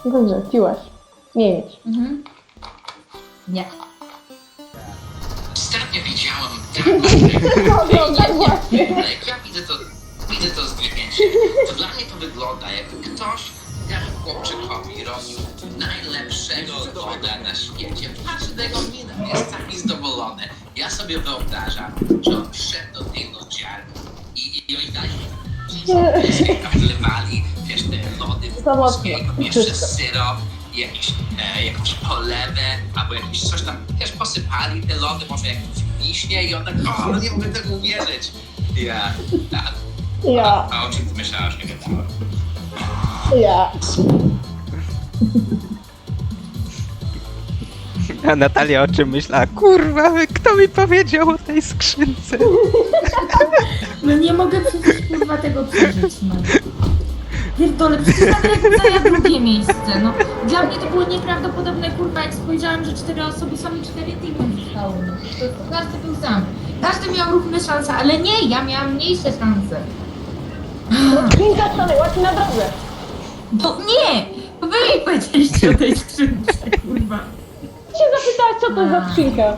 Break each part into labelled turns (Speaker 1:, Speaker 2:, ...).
Speaker 1: Dobrze, piłaś. Nie mieć.
Speaker 2: Mhm. Nie.
Speaker 3: Ostatnio widziałam
Speaker 1: No, tak właśnie.
Speaker 3: jak ja widzę to zdjęcie, to dla mnie to wygląda, jakby ktoś temu chłopczykowi robił najlepszego loda na świecie. Patrzy na jego minę, jest taki zadowolony. Ja sobie wyobrażam, że on wszedł do tej lodziarni i oni dali wlewali, wiesz, te lody włoskiego, jeszcze syrop, jakąś polewę, albo jakieś coś tam, wiesz, posypali te lody, może jakieś wiśnie i on tak, o, nie mogę tego uwierzyć. Ja, tak.
Speaker 1: Ja,
Speaker 3: A o czym ty myślałaś, nie gadałem?
Speaker 1: ja.
Speaker 4: A Natalia o czym myślała? Kurwa, kto mi powiedział o tej skrzynce?
Speaker 2: No nie mogę przecież kurwa tego przeżyć, no. Pierdolę, przecież nawet zajął drugie miejsce, no. Dla mnie to było nieprawdopodobne, kurwa, jak spojrzałem, że 4 osoby są i 4 teamy zostało, no. To każdy był sam. Każdy miał równe szanse, ale nie, ja miałam mniejsze szanse.
Speaker 1: Skrzynka stanęła ci na drodze.
Speaker 2: To nie! To wy mi powiedzieliście o tej skrzynce, kurwa.
Speaker 1: Ty się zapytałaś, co to jest za skrzynka.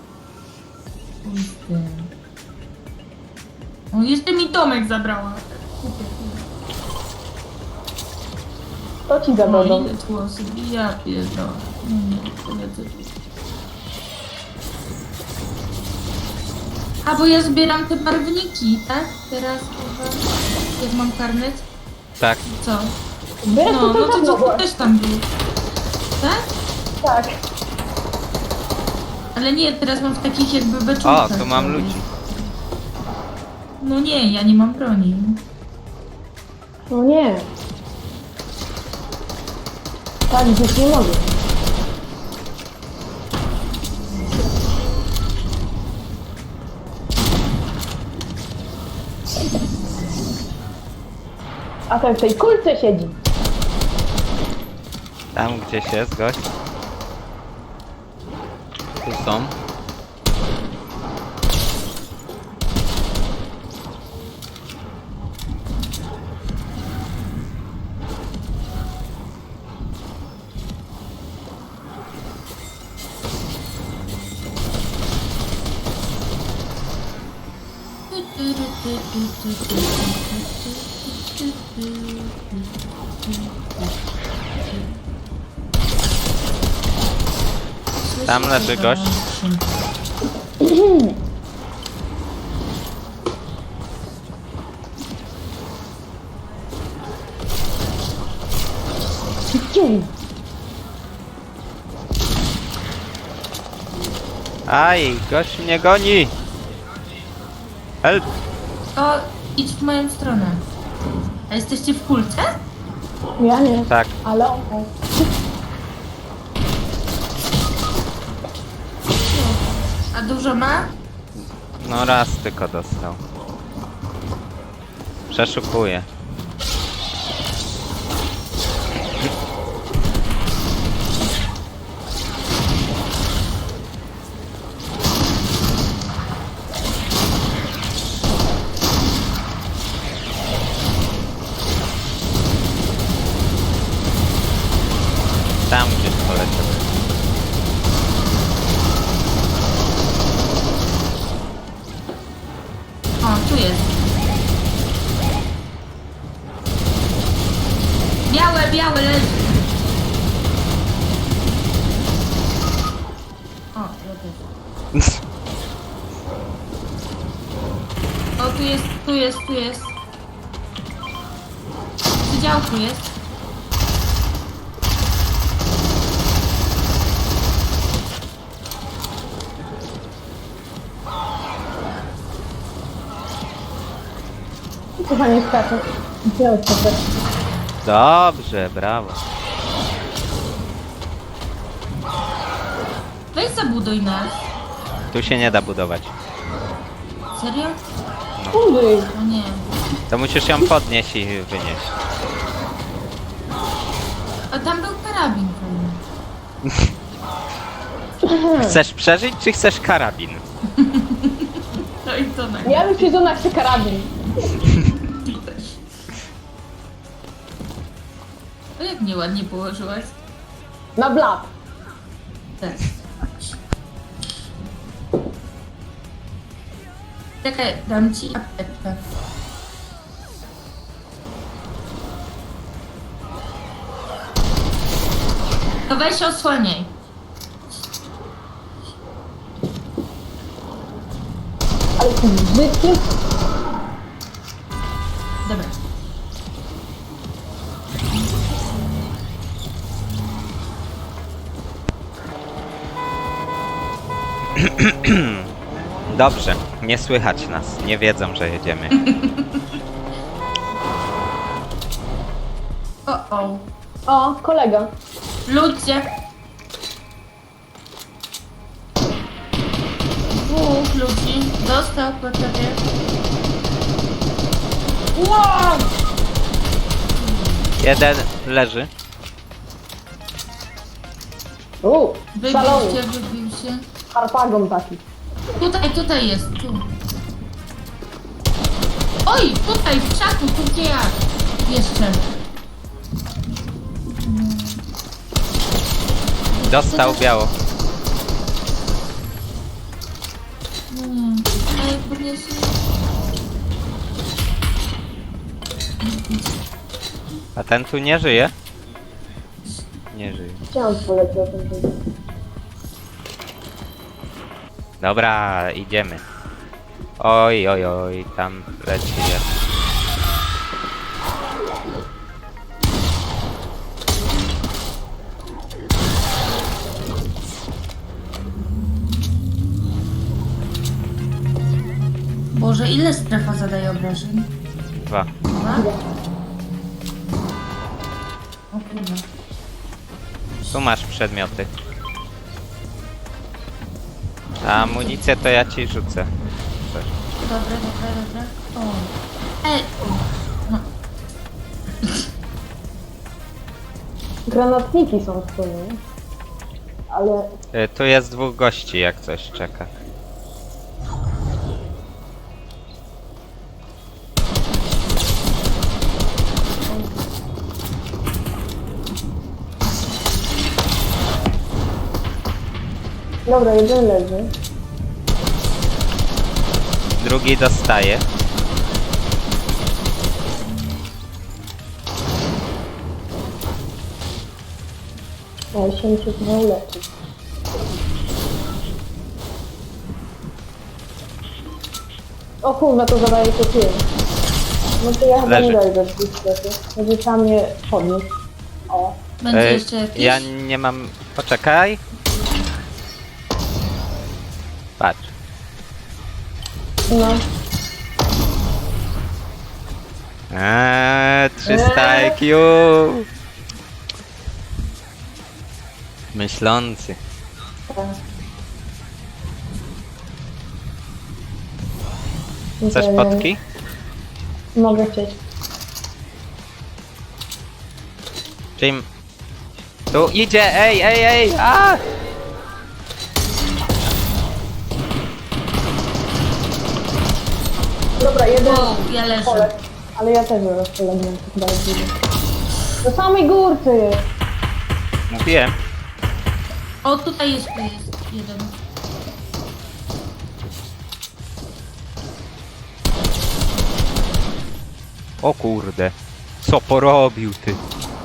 Speaker 2: O, jeszcze mi Tomek zabrała.
Speaker 1: To ci
Speaker 2: No
Speaker 1: zawodą.
Speaker 2: ile tu osób, ja pierdolę. No nie, to lecę tu. A bo ja zbieram te barwniki, tak? Teraz chyba, jak mam karnet,
Speaker 4: Tak.
Speaker 2: co?
Speaker 1: Wyraz
Speaker 2: No, no to
Speaker 1: dawno
Speaker 2: co
Speaker 1: było.
Speaker 2: też tam był. Tak?
Speaker 1: Tak.
Speaker 2: Ale nie, teraz mam w takich jakby beczułkach.
Speaker 4: O, tu mam ludzi.
Speaker 2: No nie, ja nie mam broni.
Speaker 1: No nie. Tak, już nie mogę. A ten w tej kulce siedzi.
Speaker 4: Tam gdzieś jest gość. Tu są. Tam leży gość.
Speaker 1: Cium.
Speaker 4: Aj, gość mnie goni! Help!
Speaker 2: To idź w moją stronę. A jesteście w kulce?
Speaker 1: Ja nie,
Speaker 4: Tak.
Speaker 1: ale on.
Speaker 2: A dużo ma?
Speaker 4: No raz tylko dostał. Przeszukuję. Tam gdzieś poleciał.
Speaker 2: O, tu jest. Białe leży. O, ja też. O, tu jest. Przy działku jest.
Speaker 1: Chyba nie skacze. Gdzie to też?
Speaker 4: Dobrze, brawo.
Speaker 2: Weź zabuduj nas.
Speaker 4: Tu się nie da budować.
Speaker 2: Serio?
Speaker 1: Użyj.
Speaker 2: O nie.
Speaker 4: To musisz ją podnieść i wynieść.
Speaker 2: A tam był karabin pewnie.
Speaker 4: Chcesz przeżyć, czy chcesz karabin?
Speaker 2: No i to na
Speaker 1: Ja bym przyjdą na karabin.
Speaker 2: To jak nieładnie położyłaś?
Speaker 1: Na blat.
Speaker 2: Tak. Czekaj, dam ci apteczkę. To weź osłaniaj.
Speaker 1: Ale ty brzydki.
Speaker 2: Dobra.
Speaker 4: Dobrze, nie słychać nas. Nie wiedzą, że jedziemy.
Speaker 2: O.
Speaker 1: O, kolega.
Speaker 2: Ludzie. Dwóch ludzi. Dostał po tobie.
Speaker 1: Wow!
Speaker 4: Jeden leży.
Speaker 1: Szalony.
Speaker 2: Wybił się.
Speaker 1: Harpagon taki.
Speaker 2: Tutaj jest, tu. Oj, tutaj, w krzaku, tu gdzie ja. Jeszcze.
Speaker 4: Dostał biało.
Speaker 2: Ej, podniesie.
Speaker 4: A ten tu nie żyje? Nie żyje.
Speaker 1: Chciałam polecieć o tym powiedzieć.
Speaker 4: Dobra, idziemy. Oj, oj, oj, tam leci jest.
Speaker 2: Boże, ile strefa zadaje obrażeń?
Speaker 4: 2.
Speaker 2: Dwa? O kurwa.
Speaker 4: Tu masz przedmioty. A amunicję to ja ci rzucę. Coś.
Speaker 2: Dobra. O. No.
Speaker 1: Granatniki są w sumie. Ale
Speaker 4: Tu jest 2 gości, jak coś czeka.
Speaker 1: dobra, jeden leży.
Speaker 4: Drugi dostaje.
Speaker 1: Ale się muszę chyba uleczyć. O kurwa, to zadaje to 5. No to ja chyba
Speaker 4: Leży.
Speaker 1: nie dojdę w tej strefie. Będzie trzeba mnie podnieść. O.
Speaker 2: Będzie jeszcze jakiś?
Speaker 4: Ja nie mam... Poczekaj. Patrz.
Speaker 1: No.
Speaker 4: 300 IQ. Myślący.
Speaker 1: Tak.
Speaker 4: Chcesz
Speaker 1: Nie,
Speaker 4: potki?
Speaker 1: Mogę chcieć.
Speaker 4: Jim. Tu idzie! Ej! A!
Speaker 1: Dobra, jeden
Speaker 2: Wow, ja leżę.
Speaker 1: polek. Ale ja też zaraz polegnę. Chyba jest drugi. Do samej górce.
Speaker 4: Mówiłem.
Speaker 2: O, tutaj jest jeden.
Speaker 4: O kurde. Co porobił ty?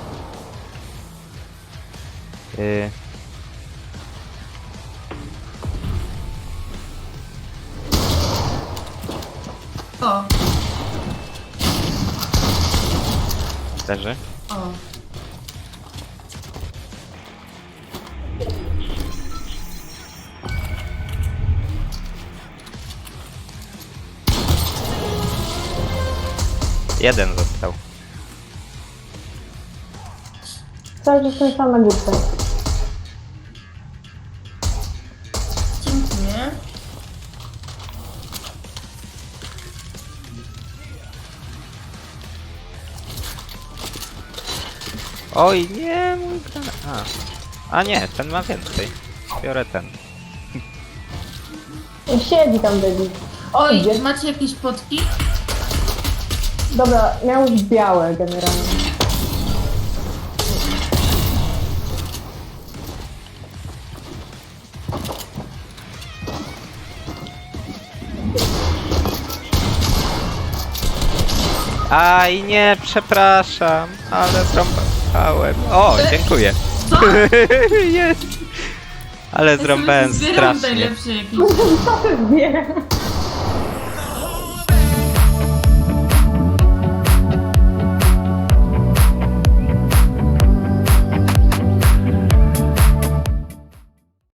Speaker 2: O,
Speaker 4: Leży?
Speaker 2: o.
Speaker 4: Jeden został.
Speaker 1: Cały czas ten sam na górce.
Speaker 2: Dziękuję.
Speaker 4: Oj, nie, mój granat. A nie, ten ma więcej. Biorę ten.
Speaker 1: Siedzi tam debil.
Speaker 2: Oj,
Speaker 1: Idzie.
Speaker 2: macie jakieś potki?
Speaker 1: Dobra, miał już białe generalnie.
Speaker 4: Aj, nie, przepraszam, ale zrąbałem. O, dziękuję.
Speaker 2: Co?
Speaker 4: Jest. Ale zrąbałem
Speaker 2: Zbieram
Speaker 4: strasznie.
Speaker 2: najlepsze jakieś.
Speaker 1: Co ty zbierasz?